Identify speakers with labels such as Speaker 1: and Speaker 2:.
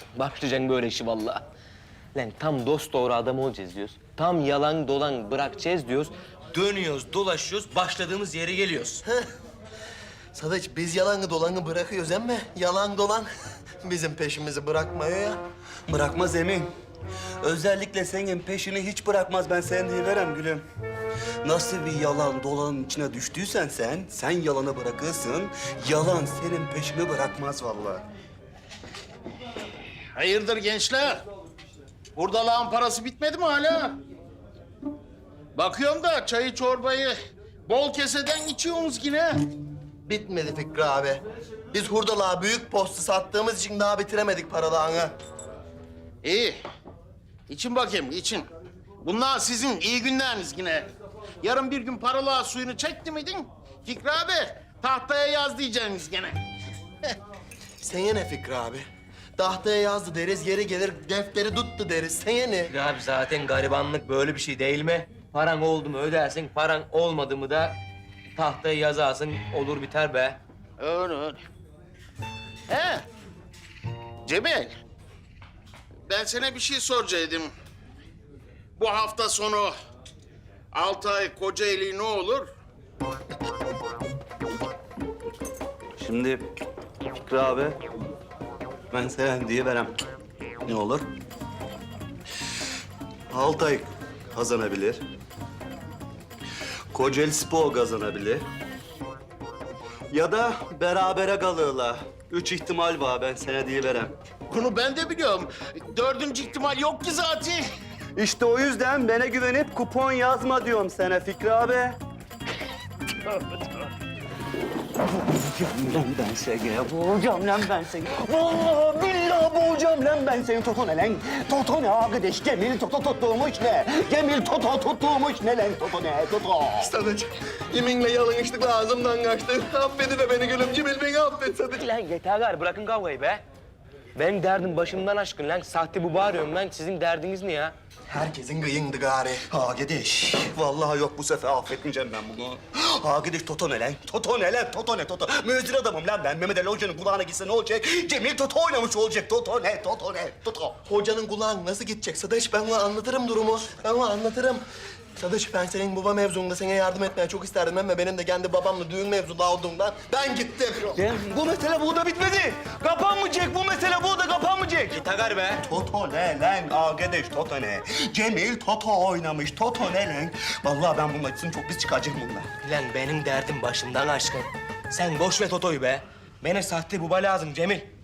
Speaker 1: Başlayacaksın böyle işi vallahi. Lan tam dost doğru adam olacağız diyoruz. Tam yalan dolan bırakacağız diyoruz. Dönüyoruz, dolaşıyoruz, başladığımız yere geliyoruz.
Speaker 2: Sadıç biz yalanı dolanı bırakıyoruz ama yalan dolan bizim peşimizi bırakmıyor ya.
Speaker 3: Bırakmaz Emin. Özellikle senin peşini hiç bırakmaz, ben sana diyiverem gülüm. Nasıl bir yalan dolanın içine düştüysen sen yalanı bırakırsın. Yalan senin peşini bırakmaz vallahi.
Speaker 4: Hayırdır gençler? Hurdalağın parası bitmedi mi hala? Bakıyorum da çayı çorbayı bol keseden içiyorsunuz yine.
Speaker 2: Bitmedi Fikri abi. Biz hurdalığa büyük postu sattığımız için daha bitiremedik paralağını.
Speaker 4: İyi. İçin bakayım, için. Bunlar sizin iyi günleriniz yine. Yarın bir gün paralığa suyunu çekti miydin? Fikri abi, tahtaya yaz diyeceksiniz gene.
Speaker 2: Sene ne Fikri abi? Tahtaya yazdı deriz, geri gelir defteri tuttu deriz. Sene ne?
Speaker 1: Ya abi zaten garibanlık böyle bir şey değil mi? Paran oldu mu ödersin, paran olmadı mı da tahtaya yazarsın, olur biter be.
Speaker 4: Öyle öyle. He. Cemil. Ben sana bir şey soracaktım. Bu hafta sonu Altay Kocaeli ne olur?
Speaker 3: Şimdi Fikri abi, ben sana diyiverem. Ne olur? Altay kazanabilir. Kocaeli Spor kazanabilir. Ya da berabere kalırlar. 3 ihtimal var, ben sana diyiverem.
Speaker 4: Bunu ben de biliyorum. Dördüncü ihtimal yok ki zaten.
Speaker 3: İşte o yüzden bana güvenip kupon yazma diyorum sana Fikri abi. Lan ben seni, boğacağım lan ben seni. Vallahi billahi boğacağım lan ben seni. Toto ne lan? Toto ne arkadaş? Cemil Toto tuttuğumuş ne? Cemil Toto tuttuğumuş ne lan? Toto ne? Toto.
Speaker 2: Sadıç, yeminle yalın içtik ağzımdan kaçtı. Affedi beni gülüm, Cemil beni affet Sadıç.
Speaker 1: Lan yeter gari, bırakın kavgayı be. Benim derdim başımdan aşkın lan. Sahte bu bağırıyorum lan. Sizin derdiniz ne ya?
Speaker 2: Herkesin gıyındı gari.
Speaker 3: Arkadaş, vallahi yok bu sefer affetmeyeceğim ben bunu. Arkadaş Toto ne lan? Toto ne lan? Toto ne Toto? Müezzer adamım lan ben. Mehmet Ali Hoca'nın kulağına gitse ne olacak? Cemil Toto oynamış olacak. Toto ne? Toto ne? Toto.
Speaker 2: Hocanın kulağın nasıl gidecek Sadıç? Ben ona anlatırım durumu. Ben ona anlatırım. Sadıç ben senin baba mevzunda sana yardım etmeye çok isterdim ama benim de kendi babamla düğün mevzunda olduğundan ben gittim.
Speaker 3: Bu mesele burada bitmedi. Kapanmayacak. Bu mesele burada kapanmayacak.
Speaker 1: Yeter be.
Speaker 3: Toto ne lan? Arkadaş Toto ne? Cemil Toto oynamış. Toto ne lan? Vallahi ben bunun acısını çok pis çıkaracağım bundan.
Speaker 1: Lan benim derdim başımdan aşkın. Sen boş ver Toto'yu be. Bana sahte baba lazım Cemil.